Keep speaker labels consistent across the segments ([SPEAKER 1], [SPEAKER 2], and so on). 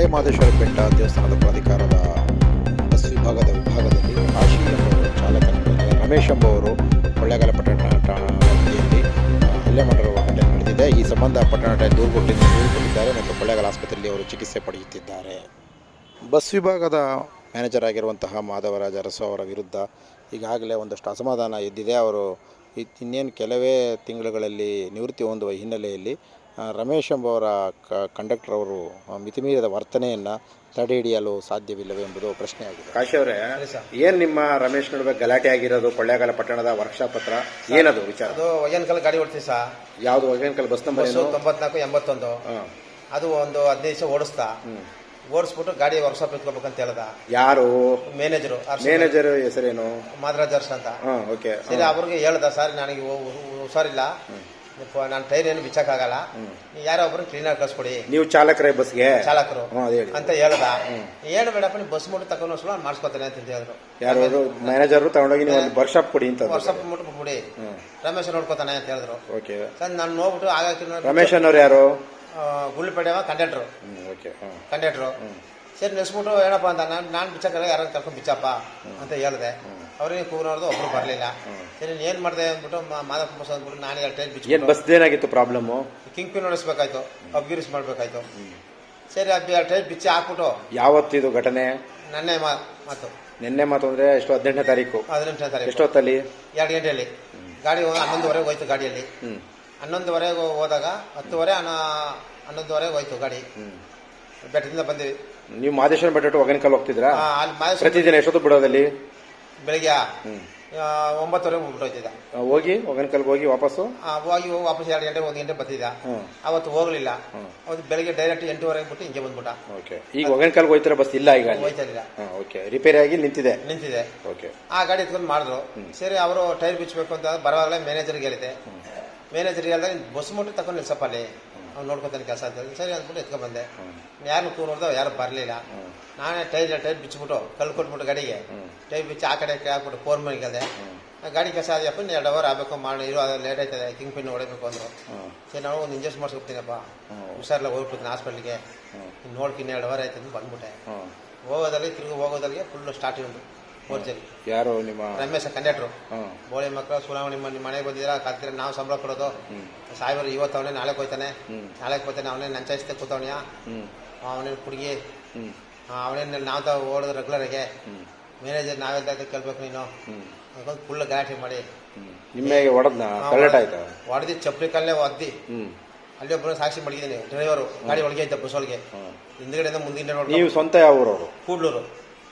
[SPEAKER 1] ಮಹದೇಶ್ವರ ಬೆಟ್ಟ ದೇವಸ್ಥಾನದ ಪ್ರಾಧಿಕಾರದ ಬಸ್ ವಿಭಾಗದಲ್ಲಿ ಕಾಶಿ ಎಂಬುವರು ಚಾಲಕನ ಮೇಲೆ ರಮೇಶ್ ಎಂಬುವರು ಕೊಳ್ಳೇಗಾಲ ಪಟ್ಟಣ ವ್ಯಾಪ್ತಿಯಲ್ಲಿ ಹಲ್ಲೆ ಮಾಡಿರುವ ಘಟನೆ ನಡೆದಿದೆ. ಈ ಸಂಬಂಧ ಪಟ್ಟಣ ದೂರು ಕೊಟ್ಟಿದ್ದಾರೆ ಮತ್ತು ಕೊಳ್ಳೇಗಾಲ ಆಸ್ಪತ್ರೆಯಲ್ಲಿ ಅವರು ಚಿಕಿತ್ಸೆ ಪಡೆಯುತ್ತಿದ್ದಾರೆ. ಬಸ್ ವಿಭಾಗದ ಮ್ಯಾನೇಜರ್ ಆಗಿರುವಂತಹ ಮಾಧವರಾಜ ಅರಸು ಅವರ ವಿರುದ್ಧ ಈಗಾಗಲೇ ಒಂದಷ್ಟು ಅಸಮಾಧಾನ ಎದ್ದಿದೆ. ಅವರು ಇನ್ನೇನು ಕೆಲವೇ ತಿಂಗಳುಗಳಲ್ಲಿ ನಿವೃತ್ತಿ ಹೊಂದುವ ಹಿನ್ನೆಲೆಯಲ್ಲಿ ರಮೇಶ್ ಎಂಬುವರ ಕಂಡಕ್ಟರ್ ಅವರು ಮಿತಿಮೀರಿದ ವರ್ತನೆಯನ್ನು ತಡೆ ಹಿಡಿಯಲು ಸಾಧ್ಯವಿಲ್ಲವೇ ಎಂಬುದು ಪ್ರಶ್ನೆಯಾಗಿದೆ. ಕಾಶಿ ಅವರೇ, ಏನು ನಿಮ್ಮ ರಮೇಶ್ ನಡುವೆ ಗಲಾಟೆ ಆಗಿರೋದು ಕೊಳ್ಳೇಗಾಲ ಪಟ್ಟಣದ ವರ್ಕ್ಶಾಪ್ ಹತ್ರ? ಏನದು ವಿಚಾರ?
[SPEAKER 2] ಅದು ಒಗೇನಕಲ್ ಗಾಡಿ ಓಡಿಸ್ತೀವಿ ಸರ್.
[SPEAKER 1] ಯಾವುದು ಒಗೇನಕಲ್? Bus number
[SPEAKER 2] 9481. ಅದು ಒಂದು 15 ದಿವಸ ಓಡಿಸ್ಬಿಟ್ಟು ಗಾಡಿ ವರ್ಕ್ಶಾಪ್ ಎತ್ಕೋಬೇಕಂತ ಹೇಳ್ದ.
[SPEAKER 1] ಯಾರು?
[SPEAKER 2] ಮ್ಯಾನೇಜರ್
[SPEAKER 1] ಹೆಸರೇನು?
[SPEAKER 2] ಮಾಧವರಾಜ್ ಅರಸು ಅಂತ.
[SPEAKER 1] ಓಕೆ.
[SPEAKER 2] ಸರಿ, ಅವ್ರಿಗೆ ಹೇಳ್ದ, ಸರ್ ನನಗೆ ಹುಷಾರಿಲ್ಲ, ನಾನು ಟೈರ್ ಏನು ಬಿಚ್ಚಕ್ಕಾಗಲ್ಲ, ಯಾರೋ ಒಬ್ರು ಕ್ಲೀನರ್ ಕಳ್ಸ್ಕೊಡಿ.
[SPEAKER 1] ನೀವು ಚಾಲಕರೇ? ಬಸ್ಗೆ ಚಾಲಕರು
[SPEAKER 2] ಅಂತ ಹೇಳ್ದ. ಏನು ಬೇಡಪ್ಪ, ನೀವು ಬಸ್ ಮುಟ್ಟು ತಗೊಂಡು ಮಾಡಿಸ್ಕೊತಾನೆ ಅಂತ ಹೇಳಿದ್ರು.
[SPEAKER 1] ಯಾರು? ಮ್ಯಾನೇಜರ್ ತಗೊಂಡೋಗಿ ನೀವು ವರ್ಕ್ಶಾಪ್ ಕೊಡಿ ಅಂತ.
[SPEAKER 2] ವರ್ಕ್ಶಾಪ್ ಮುಟ್ಟು ಕೊಡಿ, ರಮೇಶ್ ನೋಡ್ಕೋತಾನೆ ಅಂತ ಹೇಳಿದ್ರು.
[SPEAKER 1] ಓಕೆ
[SPEAKER 2] ಸರ್, ನಾನು ನೋಡ್ಬಿಟ್ಟು ಆಗ
[SPEAKER 1] ರಮೇಶ್ ಅನ್ನೋರು ಯಾರು?
[SPEAKER 2] ಗುಳ್ಳಿಪೇಟೆ ಕಂಡಕ್ಟ್ರು. ಸರಿ, ನೆಸ್ಬಿಟ್ಟು ಏನಪ್ಪ ಅಂತ ನಾನು ಬಿಚ್ಚಕ್ಕಲ್ಲ, ಯಾರು ಕರ್ಕೊಂಡು ಬಿಚ್ಚಪ್ಪ ಅಂತ ಹೇಳಿದೆ. ಅವ್ರಿಗೆ ಕೂರೋದು ಒಬ್ರು ಬರಲಿಲ್ಲ. ಸರಿ, ಏನು ಮಾಡಿದೆ ಅಂದ್ಬಿಟ್ಟು ಮಾದಪ್ಪ ಬಸ್ ಅಂದ್ಬಿಟ್ಟು ನಾನು 2 ಟೈಮ್ ಬಿಚ್ಚು.
[SPEAKER 1] ಏನು ಬಸ್ ಏನಾಗಿತ್ತು ಪ್ರಾಬ್ಲಮ್ಮು?
[SPEAKER 2] ಕಿಂಗ್ ಪಿನ್ ಹೊಡಿಸ್ಬೇಕಾಯ್ತು, ಅಬ್ಗಿರಿಸ್ ಮಾಡಬೇಕಾಯ್ತು. ಸರಿ, 2 ಟೈಮ್ ಬಿಚ್ಚಿ ಹಾಕ್ಬಿಟ್ಟು.
[SPEAKER 1] ಯಾವತ್ತಿದು ಘಟನೆ?
[SPEAKER 2] ನೆನ್ನೆ ಮಾತು.
[SPEAKER 1] ನಿನ್ನೆ ಮಾತು ಅಂದ್ರೆ ಎಷ್ಟು? 18ನೇ ತಾರೀಕು.
[SPEAKER 2] 18ನೇ ತಾರೀಕು.
[SPEAKER 1] ಎಷ್ಟೊತ್ತಲ್ಲಿ?
[SPEAKER 2] 2 ಗಂಟೆಯಲ್ಲಿ. ಗಾಡಿ 11:30 ಹೋಯ್ತು ಗಾಡಿಯಲ್ಲಿ. 11:30 ಹೋದಾಗ 10:30 11:30 ಹೋಯ್ತು ಗಾಡಿ. ಬೆಟ್ಟದಿಂದ ಬಂದಿವಿ.
[SPEAKER 1] ನೀವು ಮಹದೇಶ್ವರ ಬೆಟ್ಟ ಒಗೇನಕಲ್ ಹೋಗ್ತಿದ್ರಾ?
[SPEAKER 2] ಅಲ್ಲಿ
[SPEAKER 1] ಪ್ರತಿದಿನ ಎಷ್ಟೊತ್ತು ಬಿಡೋದಲ್ಲಿ?
[SPEAKER 2] ಬೆಳಿಗ್ಗೆ 9:30 ಹೋಗ್ಬಿಟ್ಟೋಯ್ತಿದ್ದ.
[SPEAKER 1] ಹೋಗಿ ಒಗೇನಕಲ್ಗೆ ಹೋಗಿ ವಾಪಸ್ಸು
[SPEAKER 2] 2 ಗಂಟೆ 1 ಗಂಟೆ ಬರ್ತಿದ್ದ. ಅವತ್ತು ಹೋಗ್ಲಿಲ್ಲ. ಅವತ್ತು ಬೆಳಿಗ್ಗೆ ಡೈರೆಕ್ಟ್ 8:30 ಬಿಟ್ಟು ಹಿಂಗೆ ಬಂದ್ಬಿಟ್ಟ.
[SPEAKER 1] ಈಗ ಒಗೇನಕಲ್ಗೆ ಹೋಯ್ತಾರೆ ಬಸ್? ಇಲ್ಲ, ಈಗ
[SPEAKER 2] ಹೋಯ್ತಿಲ್ಲ.
[SPEAKER 1] ರಿಪೇರಿ ಆಗಿ ನಿಂತಿದೆ.
[SPEAKER 2] ಆ ಗಾಡಿ ಎತ್ಕೊಂಡು ಮಾಡಿದ್ರು. ಸರಿ, ಅವರು ಟೈರ್ ಬಿಚ್ಚಬೇಕು ಅಂತ ಬರವಾಗಲೇ ಮ್ಯಾನೇಜರ್ಗೆ ಹೇಳಿದೆ. ಮ್ಯಾನೇಜರ್ಗೆ ಹೇಳಿದಾಗ ಬಸ್ ಮುಟ್ಟು ತಗೊಂಡು ನಿಲ್ಸಪ್ಪ ಅಲ್ಲಿ, ಅವ್ನು ನೋಡ್ಕೊತಾನೆ ಕೆಲಸ ಅಂತ ಹೇಳಿ. ಸರಿ ಅಂದ್ಬಿಟ್ಟು ಎತ್ಕೊಂಡ್ ಬಂದೆ. ಯಾರನ್ನು ಕೂರ್ದು ಯಾರು ಬರಲಿಲ್ಲ. ನಾನೇ ಟೈರ್ ಬಿಚ್ಚಿಬಿಟ್ಟು ಕಲ್ಲು ಕೊಟ್ಬಿಟ್ಟು ಗಾಡಿಗೆ ಟೈರ್ ಬಿಚ್ಚಿ ಆ ಕಡೆ ಹಾಕ್ಬಿಟ್ಟು 4 ಮನೆಗೆ ಅದೇ ಗಾಡಿ ಕೆಲಸ ಆದ್ಯಪ್ಪ, 2 ಅವರ್ ಆಗಬೇಕು ಮಾಡಿ ಇರೋ, ಅದು ಲೇಟ್ ಆಯ್ತದೆ, ಕಿಂಗ್ ಪಿನ್ ಹೊಡಬೇಕು ಅಂದರು. ಸರಿ, ನಾವು ಒಂದು ಇಂಜೆಕ್ಷನ್ ಮಾಡಿಸ್ಕೊಡ್ತೀನಪ್ಪ, ಹುಷಾರಿಲ್ಲ, ಹೋಗ್ಬಿಡ್ತೀನಿ ಹಾಸ್ಪಿಟ್ಲಿಗೆ, ನೋಡ್ತೀನಿ 2 ಅವರ್ ಆಯ್ತು ಅಂತ ಬಂದ್ಬಿಟ್ಟೆ. ಹೋಗೋದಲ್ಲಿ ಫುಲ್ ಸ್ಟಾರ್ಟ್ ಒಂದು ಮೋರ್ಜಲ್ಲಿ.
[SPEAKER 1] ಯಾರು? ನಿಮ್ಮ
[SPEAKER 2] ರಮೇಶ್ ಕಂಡಕ್ಟ್ರು. ಬೋಳಿ ಮಕ್ಕಳು ಸುನಾವಣಿ ನಿಮ್ಮ ಮನೆಗೆ ಬಂದಿದ್ದೀರಾ, ಕಾತ್ತೀರ, ನಾವು ಸಂಬಳ ಕೊಡೋದು. ಸಾಹೇಬರು ಇವತ್ತು ಅವನೇ ನಾಳೆ ಹೋಯ್ತಾನೆ, ಅವನೇ ನಂಚಾಯಿಸ್ತೆ ಕೂತವನಿಯ, ಅವನೇನು ಕುಡುಗಿ, ಅವನೇನು ನಾವು ಓಡೋದು ರೆಗ್ಯುಲರಾಗೆ. ಮ್ಯಾನೇಜರ್ ನಾವೆಲ್ಲ ಕೇಳ್ಬೇಕು ನೀನು ಫುಲ್ ಗಲಾಟೆ ಮಾಡಿ.
[SPEAKER 1] ನಿಮಗೆ ಹೊಡೆದಿ
[SPEAKER 2] ಚಪ್ಪಲಿ ಕಲ್ಲೇ ಒದ್ದಿ. ಅಲ್ಲಿ ಒಬ್ಬರು ಸಾಕ್ಷಿ ಮಡಗಿದ್ದೀನಿ. ಡ್ರೈವರು ಗಾಡಿ ಒಳಗೆ ಇದ್ದ ಬಸ್ ಒಳಗೆ, ಹಿಂದ್ಗಡೆಯಿಂದ ಮುಂದಿನ ನೋಡಿ.
[SPEAKER 1] ನೀವು ಸ್ವಂತ ಯಾವ ಊರವರು?
[SPEAKER 2] ಕೂಡ್ಲೂರು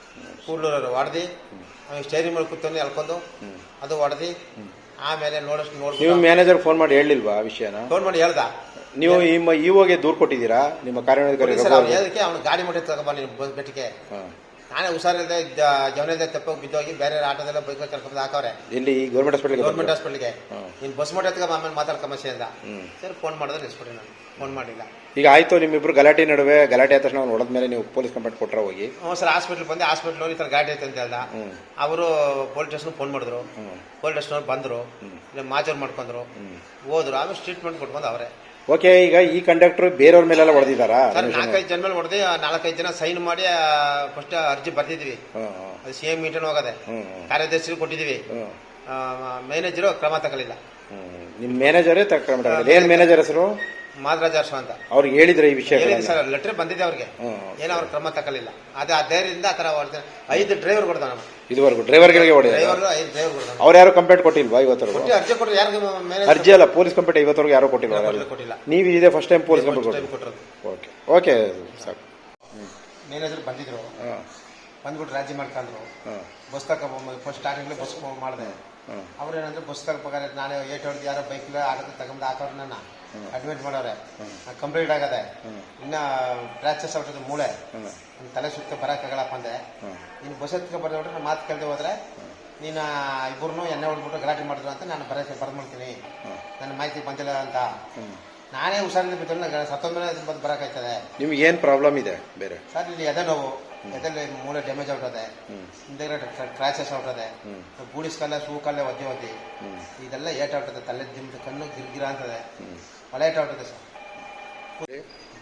[SPEAKER 2] ಹೊಡೆದಿ. ಅವ್ನಿಗೆ ಸ್ಟೇರಿಂಗ್ ಮೇಲೆ ಕೂತ್ಕೊಂಡು ಎಳ್ಕೊಂಡು ಅದು ಹೊಡೆದಿ. ಆಮೇಲೆ ನೋಡಿ
[SPEAKER 1] ನೀವು ಮ್ಯಾನೇಜರ್ ಫೋನ್ ಮಾಡಿ ಹೇಳಿಲ್ವಾ ವಿಷಯನ?
[SPEAKER 2] ಫೋನ್ ಮಾಡಿ ಹೇಳ್ದ.
[SPEAKER 1] ನೀವು ಇವಾಗೆ ದೂರು ಕೊಟ್ಟಿದ್ದೀರಾ ನಿಮ್ಮ ಕಾರ್ಯಾಧಿಕಾರಿ?
[SPEAKER 2] ಅದಕ್ಕೆ ಅವ್ನು ಗಾಡಿ ಮಟ್ಟ ತಗೊಂಬ ನೀನು ಬೆಟ್ಟಿಗೆ. ನಾನೇ ಹುಷಾರಿಲ್ಲದೆ ಜವನದ ತೆಪ್ಪೋಗಿ ಬಿದ್ದೋಗಿ ಬೇರೆ ಆಟೋದೆಲ್ಲ ಬೈಕ್ ಕರ್ಕೊಂಡು ಹಾಕವ್ರೆ.
[SPEAKER 1] ಇಲ್ಲಿ ಗೌರ್ಮೆಂಟ್
[SPEAKER 2] ಹಾಸ್ಪಿಟಲ್ಗೆ ನೀನು ಬಸ್ ಮಟ್ಟ ಎತ್ಕೊಂಬ, ಆಮೇಲೆ ಮಾತಾಡ್ಕೊಂಬಸೆ ಅಂದ. ಸರಿ, ಫೋನ್ ಮಾಡಿದ್ರೆ ನಿಲ್ಸ್ಬಿಟ್ರಿ. ನಾನು ಫೋನ್ ಮಾಡಿಲ್ಲ.
[SPEAKER 1] ಈಗ ಆಯ್ತು, ನಿಮ್ಮಿಬ್ರು ಗಲಾಟೆ ನಡುವೆ ಗಲಾಟೆ ಆದ ತಕ್ಷಣ ಹೊಡೆದ ಮೇಲೆ ನೀವು ಪೊಲೀಸ್ ಕಂಪ್ಲೇಂಟ್ ಕೊಟ್ರ? ಹೋಗಿ
[SPEAKER 2] ಸರ್, ಹಾಸ್ಪಿಟ್ಲ್ ಬಂದೆ. ಹಾಸ್ಪಿಟ್ಲ್ ಈ ಥರ ಗಾಡಿ ಐತೆ ಅಂತ ಹೇಳ್ದ. ಅವರು ಪೊಲೀಸ್ ಸ್ಟೇಷನ್ ಫೋನ್ ಮಾಡಿದ್ರು. ಪೊಲೀಸ್ ಸ್ಟೇಷನ್ ಬಂದರು, ಇಲ್ಲ ಮಾಜೂರು ಮಾಡ್ಕೊಂಡ್ರು, ಹೋದ್ರು. ಆಮೇಲೆ ಟ್ರೀಟ್ಮೆಂಟ್ ಕೊಟ್ಕೊಂಡು ಅವರೇ.
[SPEAKER 1] ಓಕೆ, ಈಗ ಈ ಕಂಡಕ್ಟರ್ ಬೇರೆಯವ್ರ ಮೇಲೆಲ್ಲ ಹೊಡೆದಿದ್ದಾರಾ?
[SPEAKER 2] 4-5 ಜನ ಮೇಲೆ ಹೊಡೆದಿ. 4-5 ಜನ ಸೈನ್ ಮಾಡಿ ಫಸ್ಟ್ ಅರ್ಜಿ ಬರ್ತಿದ್ವಿ. ಅದು CM ಮೀಟಿಂಗ್ ಹೋಗದೆ, ಕಾರ್ಯದರ್ಶಿ ಕೊಟ್ಟಿದೀವಿ. ಮ್ಯಾನೇಜರು ಕ್ರಮ ತಗೊಳ್ಳಿಲ್ಲ.
[SPEAKER 1] ನಿಮ್ ಮ್ಯಾನೇಜರೇ ಕ್ರಮ ತಗೊಳ್ಳಿಲ್ಲ? ಏನ್ ಮ್ಯಾನೇಜರ್ ಹೆಸರು?
[SPEAKER 2] ಮಾಧವರಾಜ ಅರಸು ಅಂತ.
[SPEAKER 1] ಅವ್ರಿಗೆ ಹೇಳಿದ್ರೆ ಈ ವಿಷಯ?
[SPEAKER 2] ಸರ್, ಲೆಟರ್ ಬಂದಿದೆ ಅವ್ರಿಗೆ, ಏನೋ ಅವ್ರ ಕ್ರಮ ತಗೊಳ್ಳಿಲ್ಲ. ಅದೇ ಆ ಧೈರ್ಯದಿಂದ ಆ ತರ 5 ಡ್ರೈವರ್ ಕೊಡ್ದ. ನಾವು
[SPEAKER 1] ಇದುವರೆಗೂ ಡ್ರೈವರ್ಗಳಿಗೆ ಹೊಡೆದ?
[SPEAKER 2] 5 ಡ್ರೈವರ್ ಕೊಡ್ದ.
[SPEAKER 1] ಅವ್ರು ಯಾರು ಕಂಪ್ಲೇಂಟ್ ಕೊಟ್ಟಿಲ್ವಾ ಇವತ್ತರೆಗೂ?
[SPEAKER 2] ಅರ್ಜಿ ಕೊಟ್ಟರು. ಯಾರು
[SPEAKER 1] ಅರ್ಜಿ ಅಲ್ಲ, ಪೊಲೀಸ್ ಕಂಪ್ಲೇಂಟ್ ಇವತ್ತರೆಗೂ ಯಾರು ಕೊಟ್ಟಿಲ್ಲ. ನೀವು ಇದೇ ಫಸ್ಟ್ ಟೈಮ್ ಪೊಲೀಸ್ ಕಂಪ್ಲೇಂಟ್ ಕೊಟ್ಟಿರೋದು? ಓಕೆ ಸಾಕು.
[SPEAKER 2] ಮ್ಯಾನೇಜರ್ ಬಂದಿದ್ರು, ಬಂದ್ಬಿಟ್ಟು ರಾಜಿ ಮಾಡ್ಕೊಂಡ್ರು. ಬಸ್ ಫಸ್ಟ್ ಸ್ಟಾರ್ಟಿಂಗ್ಲೇ ಬಸ್ ಮಾಡಿದೆ. ಅವ್ರೇನಂದ್ರೆ ಬಸ್ ತಗೋಬೇಕಾದ್ರೆ ನಾನೇ 8 ಹೊಡೆದು ಯಾರೋ ಬೈಕ್ ಆಟೋ ತಗೊಂಡು ಹಾಕೋರು. ನನ್ನ ಅಡ್ಮಿಟ್ ಮಾಡವ್ರೆ, ಕಂಪ್ಲೀಟ್ ಆಗದೆ. ಇನ್ನ ಫ್ರಾಕ್ಚರ್ಸ್ ಆಗ್ತದೆ ಮೂಳೆ, ತಲೆ ಸುತ್ತ ಬರೋಕ್ಕಾಗಲ್ಲಪ್ಪ ಅಂದೆ. ನೀನು ಬಸ್ ಎತ್ಕೊ ಬರ್ದೋಡ್ರೆ ನಾನು ಮಾತು ಕೇಳ್ದೆ ಹೋದ್ರೆ ನೀನು ಇಬ್ಬರನ್ನು ಎಣ್ಣೆ ಹೊಡ್ಬಿಟ್ಟು ಗಲಾಟೆ ಮಾಡಿದ್ರು ಅಂತ ನಾನು ಬರ್ದು ಮಾಡ್ತೀನಿ, ನನ್ನ ಮಾಹಿತಿ ಬಂದಿಲ್ಲ ಅಂತ. ನಾನೇ ಹುಷಾರಿಂದ ಬಿದ್ದು ಸತ್ತೊಂದ್ರೆ ಬಂದು ಬರೋಕ್ಕಾಯ್ತದೆ.
[SPEAKER 1] ನಿಮ್ಗೆ ಏನು ಪ್ರಾಬ್ಲಮ್ ಇದೆ ಬೇರೆ?
[SPEAKER 2] ಸರ್, ಇಲ್ಲಿ ಎದೆ ನೋವು, ಎದೆಲ್ಲಿ ಮೂಳೆ ಡ್ಯಾಮೇಜ್ ಆಗ್ತದೆ, ಹಿಂದೆಗಡೆ ಕ್ರ್ಯಾಚಸ್ ಆಗ್ತದೆ, ಗೂಡಿಸ್ಕಲ್ಲೇ ಶೂಕಲ್ಲೇ ಒದ್ದಿ ಇದೆಲ್ಲ ಏಟಾಗ್ತದೆ. ತಲೆ ದಿಂಬು ಕಣ್ಣು ಗಿರ್ಗಿರ ಅಂತದೆ, ಒಳ್ಳೆ ಏಟಾಗ್ತದೆ ಸರ್.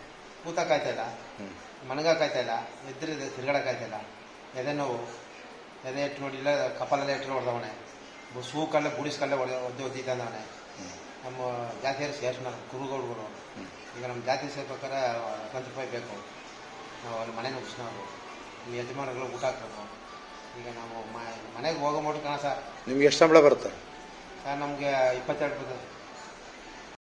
[SPEAKER 2] ಕೂತಕ್ಕಾಯ್ತಾ ಇಲ್ಲ,
[SPEAKER 1] ಹ್ಞೂ
[SPEAKER 2] ಮಣಗಾಕಾಯ್ತಾ ಇಲ್ಲ, ಎದ್ರೆ ತಿರ್ಗಾಡಕ್ಕಾಯ್ತಾ ಇಲ್ಲ, ಎದೆ ನೋವು, ಎದೆ ಇಟ್ಟು ನೋಡಿ ಇಲ್ಲ ಕಪಾಲೆಲ್ಲ ಇಟ್ಟು ಹೊಡೆದವನೆ, ಸೂಕಲ್ಲೇ ಬುಡಿಸ್ಕಲ್ಲೇ ಒದ್ದೆ ಒದ್ದಿದ್ದಾನೆ. ನಮ್ಮ ಜಾತಿಯರು ಸೇರಿಸ್ನ ಕುರುಗೌಡರು. ಈಗ ನಮ್ಮ ಜಾತಿ ಸೇರ್ಬೇಕಾದ್ರೆ 20 ರೂಪಾಯಿ ಬೇಕು. ನಾವು ಅಲ್ಲಿ ಮನೆ ನುಗ್ಗಿಸ್ನವರು, ಈ ಯಜಮಾನಗಳು ಊಟ ಹಾಕ್ಬೇಕು. ಈಗ ನಾವು ಮನೆಗೆ ಹೋಗೋ ಮಟ್ಟ ಕಾಣ ಸರ್.
[SPEAKER 1] ನಿಮ್ಗೆ ಎಷ್ಟು ಸಂಬಳ ಬರುತ್ತೆ?
[SPEAKER 2] ಸರ್ ನಮಗೆ 22 ಬರ್ತದೆ.